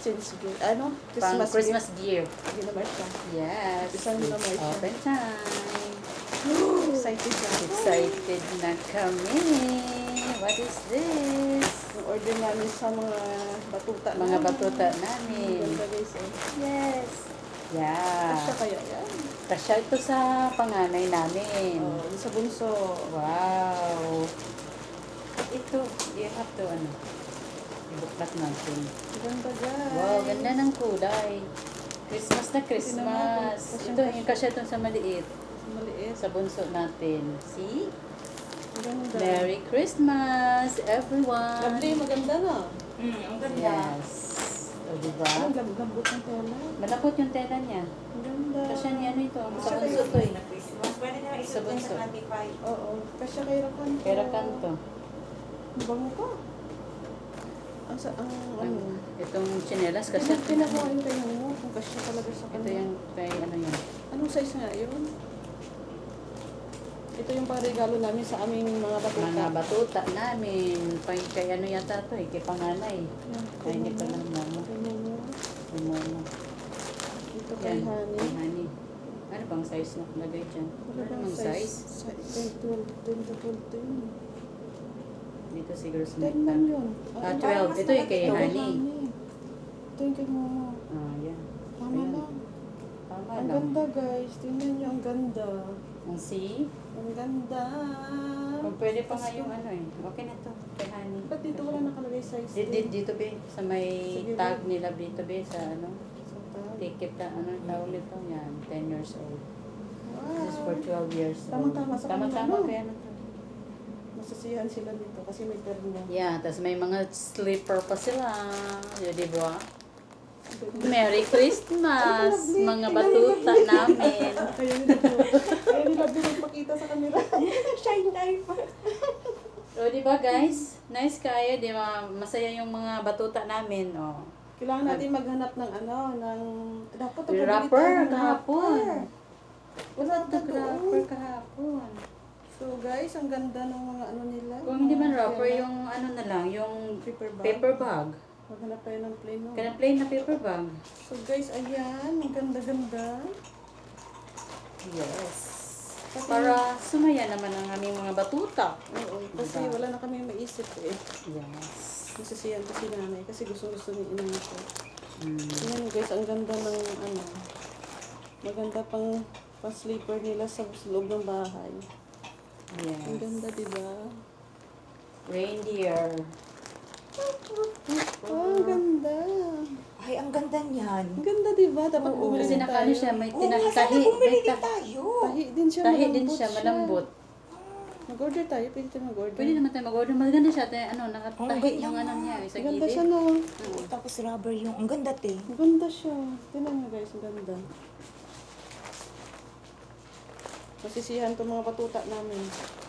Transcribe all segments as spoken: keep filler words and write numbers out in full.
exchange gift. Ano? Pang Christmas, Christmas gift. gift. Hindi naman siya. Yes. Isang It's naman siya. open time. Excited na. Excited na kami. What is this? Yung order namin sa mga batuta Mga namin. batuta Ang namin. ganda guys eh. Yes. Yeah. Kasya kaya yan? Kasya ito sa panganay namin. Oh, yung sa bunso. Wow. Ito, you have to ano, ibuklat natin. Ang ganda guys. Wow, ganda ng kulay. Christmas na Christmas. Tingnan Ito, natin. yung kasya ito sa maliit. Maliit. Sa bunso natin. See? Ang ganda. Merry Christmas, everyone. Lovely, maganda na. Mm, ang ganda. Yes. O, diba? Ang lab- lambot ng tela. Malapot yung tela niya. Ang ganda. Kasya niya ano ito. Sa Kasya bunso kayo. to eh. Na Christmas. Pwede na Sa isuot yan bunso. sa twenty-five. Oo. Kasya kay Rakan. Kaya kanto. Ang bango pa. Ang sa, ang ano. Itong chinelas kasi Kasi pinakuha yung kayo mo. Kung kasya talaga sa ito kanya. yung kay ano yun. Anong size nga yun? Ito yung pang-regalo namin sa aming mga batuta. Mga batuta namin. Kay, kay ano yata to eh. Kay panganay. Yan, Ay, hindi ko lang mo. Kay Momo. Umuno. Ito kay Yan. Honey. Kay honey. Ano bang size na lagay dyan? Wala Ano bang bang size? Size twelve, ten to twelve, ten. Dito siguro sa ten may lang yun. Ah, Ay, twelve. mas Ito yung kay ito kay honey. Ito yung kay Momo. Ah, yan. Tama Ayan. lang. Tama Ang lang. ganda guys. Tingnan nyo, ang ganda. Ang see? Ang ganda. Kung pwede pa nga yung ano eh. Okay na to. Kay honey. Ba't dito wala nakalagay size? Dito, dito, dito be. Sa may Sige, tag be. nila dito be. Sa ano. Sa tag. Ticket na ano tawag nito. Yan. ten years old. Wow. This is for twelve years old. Tama-tama sa kanila, Tama-tama. no? Kaya ano to. Masasiyahan sila dito kasi may terno. Yeah, tapos may mga slipper pa sila. Yun, di ba? Merry Christmas, Ay, lovely. mga batuta namin. Kaya nila Kaya nila magpakita sa kanila. Shine time pa. O, di ba guys? Nice kaya, di ba? Masaya yung mga batuta namin. O. Kailangan natin maghanap ng ano, ng... Dapat Yung nagpabili rapper, tayo ng kahapon. rapper. Wala na Nag-rapper doon. kahapon. So guys, ang ganda ng mga ano nila. Kung hindi man Mga rapper, tela. yung ano na lang, yung Paper bag. paper bag. Maghanap tayo ng plain no? Kaya plain na paper bag. So guys, ayan. Ang ganda-ganda. Yes. Kasi- Para sumaya naman ang aming mga batuta. Oo. Kasi Diba? wala na kami maisip eh. Yes. Nasisiyan ko si nanay kasi gusto-gusto ni inang ko. Mm. Ayan guys, ang ganda ng ano. Maganda pang pang sleeper nila sa loob ng bahay. Yes. Ang ganda, di ba? Reindeer. Oh, ang ganda. Ay, ang ganda niyan. Ang ganda, di ba? Dapat Oo, bumili kasi din nakano tayo. siya, may Oo, nga, sana tinatahi. bumili May din ta- tayo. Tahi din siya, tahi din malambot siya, malambot. Mag-order tayo, pwede tayo mag-order. Pwede naman tayo mag-order. Maganda siya. Tayo, ano, nakatahi Okay yung lang. ano niya. Sa Ang ganda gilid. siya, no? Oo, tapos rubber yung, ang ganda te. Ang ganda siya. Tingnan mo guys, ang ganda. Masisiyahan to mga patuta namin.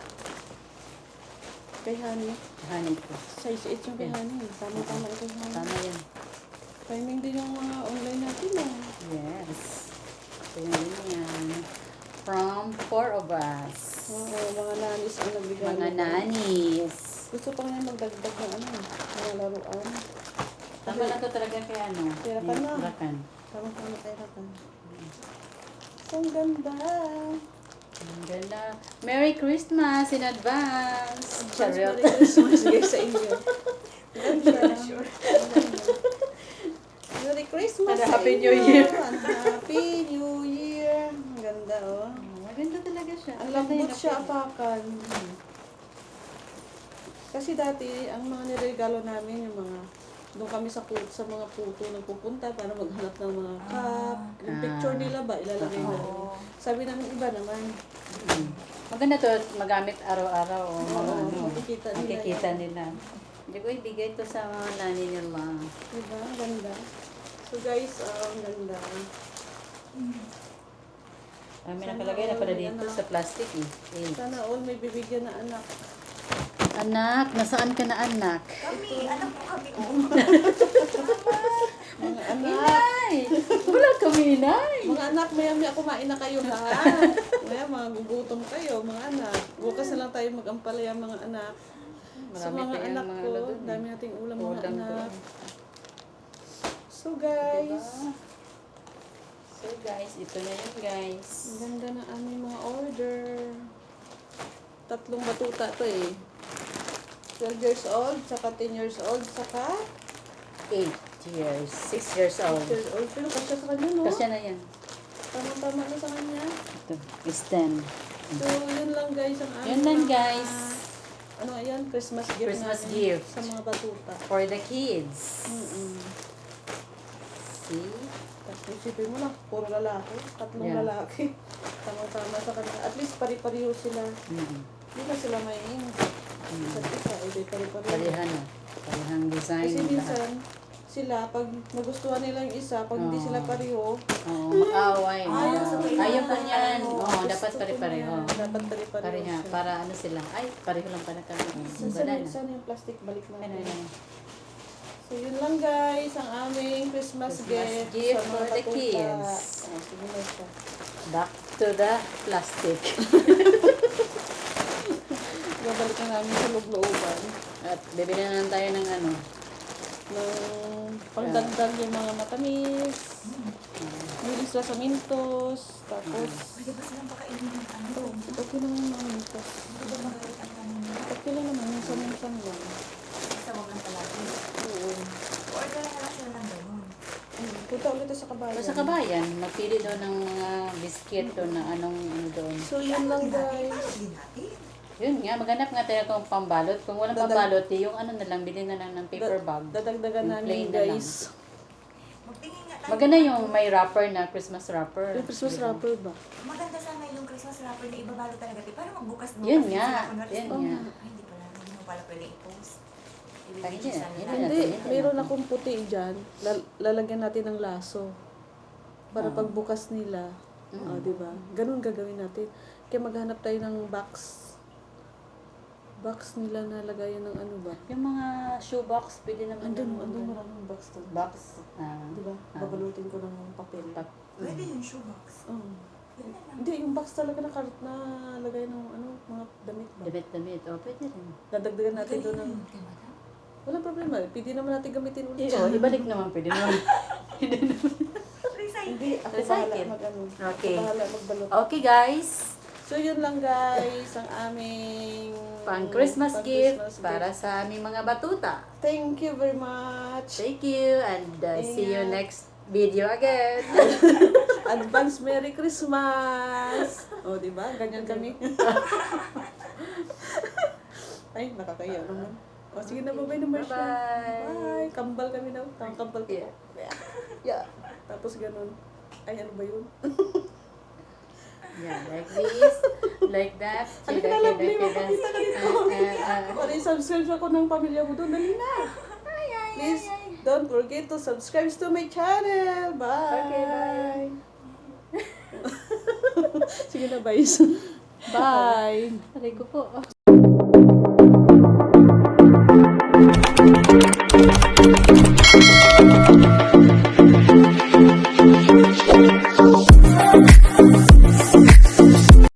Kay Honey. Honey ko. Size eight yung kay Yeah. Honey. Tama-tama ito kay Honey. Tama yan. Timing din yung mga online natin ah. Yes. So, yun yan. From four of us. Oo, mga nanis ang nagbigay. Mga nito. nanis. Gusto pa nga magdagdag ng ano, mga laruan. Tama na to talaga kay ano. Kay Rakan na. Rakan. Tama-tama tayo na. So, ang ganda. Ang ganda. Merry Christmas in advance. Charot. Merry Christmas guys sa inyo. Ganda. Merry Christmas And sa Happy inyo. New Year. And Happy New Year. Ang ganda oh. Maganda talaga siya. Ang Maganda lambot yung siya napili. apakan. Kasi dati, ang mga niregalo namin, yung mga, doon kami sa puto, sa mga puto nagpupunta para maghanap ng mga cup. Yung Ah. picture nila ba, ilalagay Oo. na. Sabi namin iba naman. Mm. Maganda to magamit araw-araw. O mga Oo, ano, makikita nila makikita yan. nila. Hindi ko ibigay to sa mga nani nila. Diba? Ang ganda. So guys, ah, ang ganda. Ah, may Sana nakalagay na pala all, dito ano. sa plastic eh. eh. Sana all may bibigyan na anak. Anak, nasaan ka na anak? Kami, alam mo kami. Oh. Mga anak. Inay! Wala kami, inay! Mga anak, maya-maya kumain na kayo ha. Maya, mga gugutom kayo, mga anak. Bukas na lang tayo mag-ampalaya, mga anak. Sa Marami mga pa yung anak mga ko, ano dun eh. dami nating ulam, mga Ulam anak. doon. So So guys, Diba? So guys, ito na yun guys. ang ganda na aming mga order. Tatlong batuta to eh. twelve years old, saka ten years old, saka eight years, six years old. eight years old. Pero kasya sa kanya, no? Kasi na yan. Tama-tama na sa kanya. Ito, is ten. So, yun lang guys ang aming Yun lang, mga- guys. Ano yan? Christmas gift Christmas namin gift. sa mga batuta. For the kids. Mm-mm. See? Tapos isipin mo na, puro lalaki. Tatlong Yeah. lalaki. Tama-tama sa kanila. At least pari-pariho sila. Mm-hmm. Hindi na sila may isa't isa. Eh, di pari-pariho. Parihan na. Parihang design. Kasi lahat. minsan, sila, pag nagustuhan nila yung isa, pag hindi Oo. sila pareho, Oo, mag-away. Ayaw sa kailangan. Ayaw pa niyan. Oo, gusto dapat ko pare-pareho. niyan. Dapat pare-pareho Pareha. siya. Para ano sila. Ay, pareho lang pala kami. Saan Wala sana, na. sana yung plastic balik Ano natin. yan? So, yun lang guys, ang aming Christmas, Christmas gift, gift sa mga for the batuta. kids. Oh, sige na siya. Back to the plastic. Babalik na namin sa loob-looban. At bibili na lang tayo ng ano. Ng pangdagdag yung mga matamis. Milis sila sa mintos. Tapos, Pwede ba silang pakainin ng ano? okay naman yung mga mintos. Pwede ba magalit ang kanina? Okay lang naman, minsan-minsan lang. Basta wag lang palagi. Oo. Order na lang sila ng ganun. Mm, Punta ulit tayo sa kabayan. Sa kabayan, magpili doon ng mga biscuit doon na anong ano doon. So, yun lang Hindi natin, guys. paano din natin? Yun nga, maghanap nga tayo kung pambalot. Kung walang Dadag- pambalot, eh, yung ano na lang, bilhin na lang ng paper Da- bag. Dadagdagan Yung namin plain na lang. guys. Magtingin nga tayo. Maganda yung may wrapper na Christmas wrapper. Yung Christmas Diba? wrapper ba? Maganda sana yung Christmas wrapper na ibabalo talaga. Di, para magbukas-bukas. Yun din nga, sila. Kunwari yun sa- nga. Ay, hindi pala. Hindi mo pala pwede i-post. Ay, Ibibigay hindi sa na, nila. hindi Hindi, natin, mayroon natin. akong puti dyan. Lal- lalagyan natin ng laso. Para Ah. pagbukas nila. Mm. Ah, di ba? Ganun gagawin natin. Kaya maghanap tayo ng box. Box nila na lagayan ng ano ba? Yung mga shoebox, pwede naman Andun, ng- andun maraming box to. box. Ah, Di ba? ah. Babalutin ko ng papel. Pap- Pwede yung shoebox. Oo. Yun na lang. Hindi, yung box talaga na karat na lagay ng ano, mga damit ba? Damit-damit. O, pwede rin. Dadagdagan natin Magaling doon ng... yun, kay madam. Walang problema. Pwede naman natin gamitin ulit. O, ibalik naman, pwede naman. Recycle. Hindi, ako Recycle. bahala mag ano. Okay. Ako bahala magbalot. Okay, guys. So, yun lang guys, ang aming Pang Christmas pang gift Christmas para gift. sa aming mga batuta. Thank you very much. Thank you and uh, see you Ingat. next video again. Advance Merry Christmas! O, di ba? Ganyan kami. Ay, nakakaya naman. O, sige na, bye-bye na, Marcia. Bye-bye. Bye. Kambal kami na. Tang kambal ko. Yeah. Yeah. Tapos ganun. Ay, ano ba yun? Yeah, like this, like that. Ano Kida, ka lang, kida, Lee? kida. Makakita ka dito. Ah, ah, ah. Para i-subscribe ako ng pamilya mo doon. Dali na. Please, don't forget to subscribe to my channel. Bye. Okay, bye. Sige na, bye. Bye. Aray ko po.